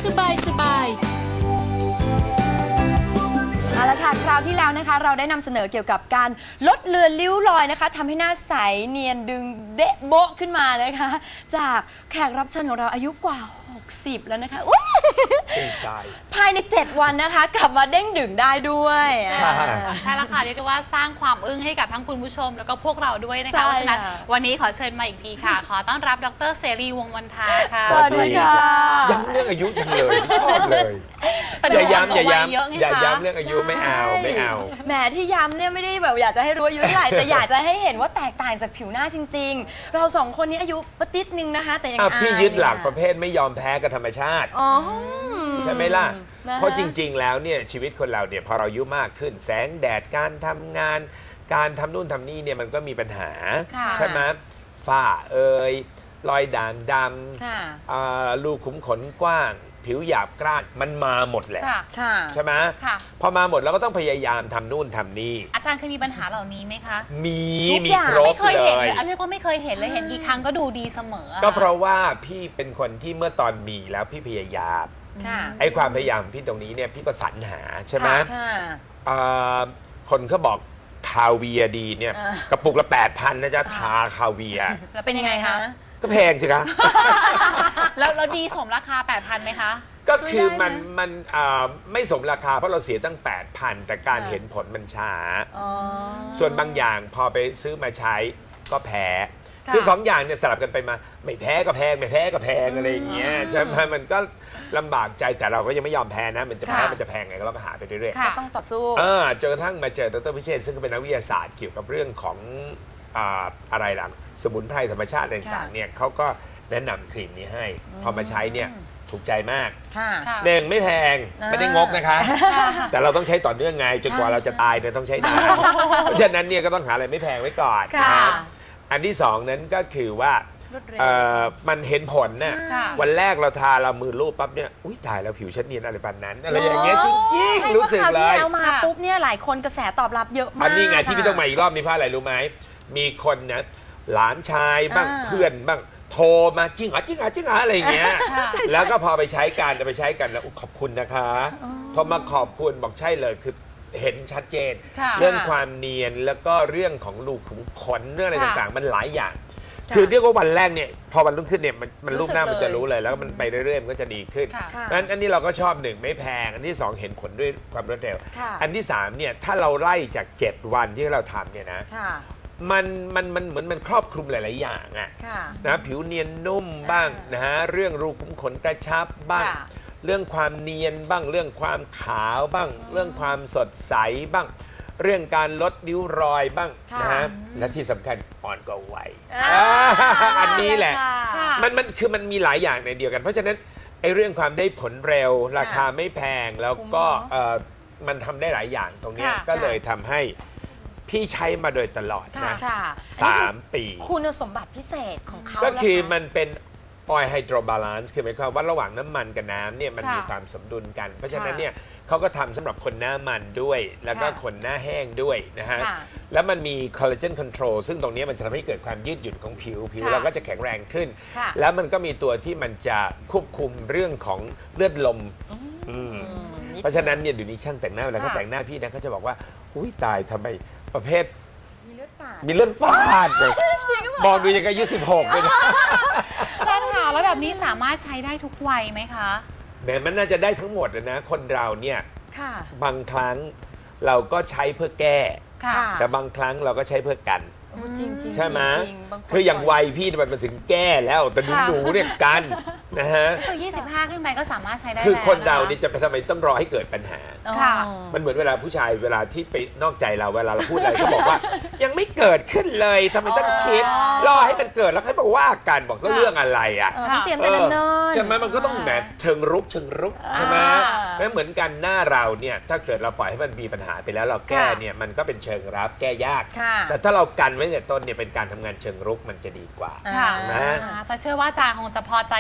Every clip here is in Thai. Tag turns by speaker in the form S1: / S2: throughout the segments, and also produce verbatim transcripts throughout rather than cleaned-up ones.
S1: สบายสบาย
S2: เอาละค่ะคราวที่แล้วนะคะเราได้นำเสนอเกี่ยวกับการลดเลือนริ้วรอยนะคะทำให้หน้าใสเนียนดึงเดะโบ๊ะขึ้นมานะคะจากแขกรับเชิญของเราอายุกว่าหกสิบแล้วนะคะอุ๊ยภายในเจ็ดวันนะคะกลับมาเด้งดึงได้ด้วย
S3: ใช่แล้วค่ะเรียกได้ว่าสร้างความอึ้งให้กับทั้งคุณผู้ชมแล้วก็พวกเราด้วยนะคะเพราะฉะนั้นวันนี้ขอเชิญมาอีกทีค่ะขอต้อนรับดร.เสรีวงศ์วันทาค่ะ
S2: สวัสดีค่ะ
S4: ย้ำเรื่องอายุจังเลยชอบเลยอย่าย้ำอย่าย้ำอย่าย้ำเรื่องอายุไม่เอาไม่เอา
S2: แหมที่ย้ำเนี่ยไม่ได้แบบอยากจะให้รู้อายุเท่าไหร่แต่อยากจะให้เห็นว่าแตกต่างจากผิวหน้าจริงๆเราสองคนนี้อายุปติดนึงนะคะแต่ยังอาย
S4: พี่ยึดหลักประเภทไม่ยอมแพ้กับธรรมชาติใช่ไหมล่ะเพราะจริงๆแล้วเนี่ยชีวิตคนเราเนี่ยพอเราอายุมากขึ้นแสงแดดการทำงานการทำนู่นทำนี่เนี่ยมันก็มีปัญหาใช่ไหมฝ้าเอ่ยรอยด่างดำรูขุมขนกว้างผิวหยาบกร้านมันมาหมดแหละใช่ไหมพอมาหมดเราก็ต้องพยายามทำนู่นทำนี่
S3: อาจารย์เคยมีปัญหาเหล่านี้ไหมคะ
S4: มีมีครบ
S3: เลยอันนี้ก็ไม่เคยเห็นเลยเห็นกี่ครั้งก็ดูดีเสมอ
S4: ก็เพราะว่าพี่เป็นคนที่เมื่อตอนมีแล้วพี่พยายามไอ้ความพยายามพี่ตรงนี้เนี่ยพี่ก็สรรหาใช่ไหมคนเขาบอกคาเวียดีเนี่ยกระปุกละแปดพันนะจ๊ะทาคาเวีย
S3: แล้วเป็นยังไงคะ
S4: ก็แพงสิคะ
S3: แล้วเราดีสมราคา แปดพัน ไหมคะ
S4: ก็คือมันมันไม่สมราคาเพราะเราเสียตั้ง แปดพัน แต่การเห็นผลมันช้าส่วนบางอย่างพอไปซื้อมาใช้ก็แพ้คือสองอย่างเนี่ยสลับกันไปมาไม่แพ้ก็แพงไม่แพ้ก็แพงอะไรอย่างเงี้ยใช่ไหมมันก็ลำบากใจแต่เราก็ยังไม่ยอมแพ้นะมันจะแพ้มันจะแพงไงก็เราก็หาไปเรื่อย
S2: ๆก็ต้องต่อสู้
S4: จนกระทั่งมาเจอดร.พิเชษซึ่งเป็นนักวิทยาศาสตร์เกี่ยวกับเรื่องของอะไรล่ะสมุนไพรธรรมชาติต่างๆเนี่ยเขาก็แนะนำครีมนี้ให้พอมาใช้เนี่ยถูกใจมากหนึ่งไม่แพงไม่ได้งกนะคะแต่เราต้องใช้ต่อเนื่องไงจนกว่าเราจะตายเนี่ยต้องใช้นานเพราะฉะนั้นเนี่ยก็ต้องหาอะไรไม่แพงไว้ก่อนนะอันที่สองนั้นก็คือว่ามันเห็นผลน่ะวันแรกเราทาเรามือรูปปั๊บเนี่ยอุ้ยตายแล้วผิวฉันเนียนอะไรปานนั้นอะไรอย่างเงี้ยจริงๆรู้สึกเลย
S2: แล้วมาปุ๊บเนี่ยหลายคนกระแสตอบรับเยอะมาก
S4: อันนี้ไงที่พี่ต้องมาอีกรอบนี้เพราะอะไรรู้ไหมมีคนนะหลานชายบ้างเพื่อนบ้างโทรมาจริงเหรอจริงเหรอจริงเหรออะไรอย่างเงี้ยแล้วก็พอไปใช้กันไปใช้กันแล้วขอบคุณนะคะโทรมาขอบคุณบอกใช่เลยคือเห็นชัดเจนเรื่องความเนียนแล้วก็เรื่องของรูขุมขนเรื่องอะไรต่างๆมันหลายอย่างคือเรียกว่าวันแรกเนี่ยพอวันรุ่งขึ้นเนี่ยมันมันรูปหน้ามันจะรู้เลยแล้วมันไปเรื่อยๆมันก็จะดีขึ้นนั้นอันนี้เราก็ชอบหนึ่งไม่แพงอันที่สองเห็นผลด้วยความรวดเร็วอันที่สามเนี่ยถ้าเราไล่จากเจ็ดวันที่เราทำเนี่ยนะมันมันมันเหมือนมันครอบคลุมหลายๆอย่างอะนะผิวเนียนนุ่มบ้างนะฮะเรื่องรูขุมขนกระชับบ้างเรื่องความเนียนบ้างเรื่องความขาวบ้างเรื่องความสดใสบ้างเรื่องการลดริ้วรอยบ้างนะฮะและที่สำคัญอ่อนกว่าวัยอันนี้แหละมันมันคือมันมีหลายอย่างในเดียวกันเพราะฉะนั้นไอ้เรื่องความได้ผลเร็วราคาไม่แพงแล้วก็มันทำได้หลายอย่างตรงนี้ก็เลยทำให้พี่ใช้มาโดยตลอดนะสามปี
S2: คุณสมบัติพิเศษของเขา
S4: ก็คือมันเป็นออยล์ไฮโดรบาลานซ์คือหมายความว่าระหว่างน้ำมันกับน้ำเนี่ยมันมีความสมดุลกันเพราะฉะนั้นเนี่ยเขาก็ทำสำหรับคนหน้ามันด้วยแล้วก็คนหน้าแห้งด้วยนะฮะแล้วมันมีคอลลาเจนคอนโทรลซึ่งตรงนี้มันจะทำให้เกิดความยืดหยุ่นของผิวผิวเราก็จะแข็งแรงขึ้นแล้วมันก็มีตัวที่มันจะควบคุมเรื่องของเลือดลมเพราะฉะนั้นเนี่ยเดี๋ยวนี้ช่างแต่งหน้าเวลาเขาแต่งหน้าพี่นะเขาจะบอกว่าอุ้ยตายทำไมประเภทมีเลือดฝาดมีเลือดฝาดเลยมองดูยังอายุสิบหกเลยนะ
S3: ใช่ค่ะแล้วแบบนี้สามารถใช้ได้ทุกวัยไหมคะ
S4: แม้มันน่าจะได้ทั้งหมดนะคนเราเนี่ยบางครั้งเราก็ใช้เพื่อแก้แต่บางครั้งเราก็ใช้เพื่อกันใช่ไหมคืออย่างวัยพี่มันมาถึงแก้แล้วแต่หนูเนี่ยกันนะฮะ
S3: คือยี่สิบห้าขึ้นไปก็สามารถใช้ได้
S4: คือคนเราเนี่ยจะไปทำไมต้องรอให้เกิดปัญหามันเหมือนเวลาผู้ชายเวลาที่ไปนอกใจเราเวลาเราพูดอะไรเขาบอกว่ายังไม่เกิดขึ้นเลยทำไมต้องคิดรอให้มันเกิดแล้วค่อยมาว่ากันบอกเรื่องอะไรอ่ะ
S2: ต้องเตรียมกันเนิ่น
S4: ใช่ไหมมันก็ต้องแบบเชิงรุกเชิงรุกใช่ไหมแล้วเหมือนกันหน้าเราเนี่ยถ้าเกิดเราปล่อยให้มันมีปัญหาไปแล้วเราแก้เนี่ยมันก็เป็นเชิงรับแก้ยากแต่ถ้าเรากันไว้แต่ต้นเนี่ยเป็นการทำงานเชิงรุกมันจะดีกว่า
S3: นะจะเชื่อว่าอาจารย์คงจะพอใจกับผล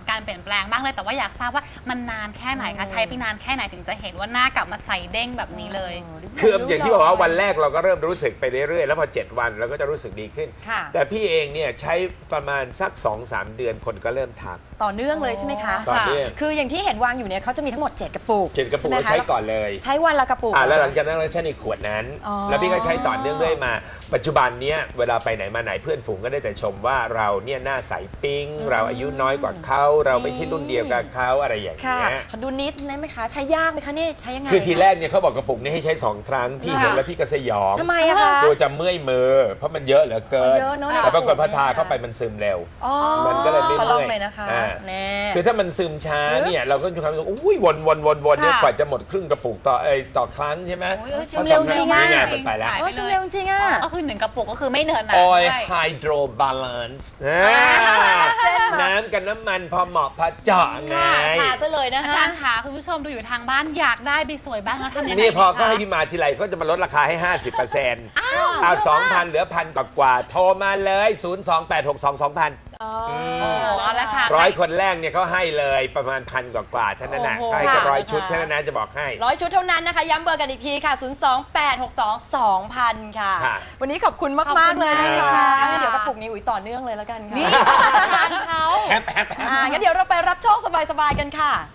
S3: การเปลี่ยนแปลงมากเลยแต่ว่าอยากทราบว่ามันนานแค่ไหนคะใช้ไปนานแค่ไหนถึงจะเห็นว่าหน้ากลับมาใสเด้งแบบนี้เลย
S4: คืออย่างที่บอกว่าวันแรกเราก็เริ่มรู้สึกไปเรื่อยๆแล้วพอเจ็ดวันเราก็จะรู้สึกดีขึ้น
S2: ค่ะ
S4: แต่พี่เองเนี่ยใช้ประมาณสัก สองสาม เดือนคนก็เริ่มทัก
S2: ต่อเนื่องเลยใช่ไหมคะ
S4: ต่อเนื่อง
S2: คืออย่างที่เห็นวางอยู่เนี่ยเขาจะมีทั้งหมดเจ็ดกระปุก
S4: เจ็ดกระปุก
S2: ช่ไหม
S4: เรา
S2: ค
S4: ใช้ก่อนเลย
S2: ใช้วันละกระปุก
S4: อ่าแล้วหลังจากนั้นเราใช้ในขวดนั้น
S2: อ๋อ
S4: แล้วพี่ก็ใช้ต่อเนื่องเรื่อยมา ปัจจุบันเนี้ยเวลาไปไหนมาไหนเพื่อนฝูงก็ได้แต่ชมว่าเราเนี่ยหน้าใสปิ๊งเราอายุน้อยกว่าเขาเราไม่ใช่รุ่นเดียวกับเขาอะไรอย่าง
S2: ค่ะ
S4: เงี้ย
S2: ขอดูนิดได้ไหมคะ ใช้ยากไหมคะนี่ใช้ยังไง
S4: คือทีแรกเนี่ยเขาบอกกระปุกนี้ให้ใช้สองครั้งพี่เห็นแล้วพี่ก็สยอง
S2: ทำไมอะคะ
S4: ตัวจะเมื่อยมือเพราะมันเยอะเหลือเกิน
S2: เยอะเนอะใน
S4: แต่ปรากฏ
S2: กระปุก
S4: พอทา
S2: เนี่ย
S4: เข้าไปมันซึมเร็ว
S2: อ๋อ
S4: มันก็เลยไม่
S2: ขอลอง
S4: เมื่อย
S2: เลยนะคะ
S4: อ่า
S2: แน่
S4: คือถ้ามันซึมช้าเนี่ยเราก็มีความรู้สึกอุ้ยวนวนวนวนเนี่ย
S3: ค่ะ
S4: กว่าจะหมดครึ่งกระปุกต่อเอยต่อครั้งใช่ไหม
S3: โอ้ยเออ
S2: ซึมเร็วจริงอะ
S4: นี่ไงมันไปแล้ว
S3: หาย
S2: โอ้ยซึมเร็วจริงอ่ะ
S3: ก็คือหนึ่งกระปุกก็คือไม่เนินนะ
S4: ออย
S3: ใช่
S4: ไฮโดรบาลานซ์น้ำกับน้ำมันพอเหมาะพอเจาะไง
S2: ทาซะเลยนะ
S3: อา
S2: ฮะ
S3: จารย์คะคุณผู้ชมดูอยู่ทางบ้านอยากได้ไปสวยบ้างแล้วทำยังไง
S4: นี่พอ
S3: ดีคะ
S4: ก็ให้พี่มาทีไรก็จะมาลดราคาให้ ห้าสิบเปอร์เซ็นต์เอาสองพันเหลือพันกว่าๆโทรมาเลย ศูนย์ สอง แปด หก สอง สองพัน
S2: อ๋อ
S3: เอาละค่ะ
S4: ร้อยคนแรกเนี่ยเขาให้เลยประมาณพันกว่าๆเท่านั้นนะ
S2: โอ้โห
S4: เขาให้จะ
S2: ค่ะ
S4: ร้อยชุดเท่านั้นนะจะบอกให้
S2: ร้อยชุดเท่านั้นนะคะ ย้ำเบอร์กันอีกทีค่ะ ศูนย์ สอง แปด หก สอง สอง พัน ค่ะ
S4: ค่ะ
S2: วันนี้ขอบคุณมาก
S3: ขอบ
S2: มาก
S3: คุณ
S2: เลยนะคะ
S3: ค่ะ
S2: เดี๋ยวกระปุกนี้อุ๋ยต่อเนื่องเลยแล้วกันค่ะ
S3: นี่อาจารย์เขา
S4: แฮปแฮปแฮป
S2: อ่างั้นเดี๋ยวเราไปรับโชคสบายๆกันค่ะ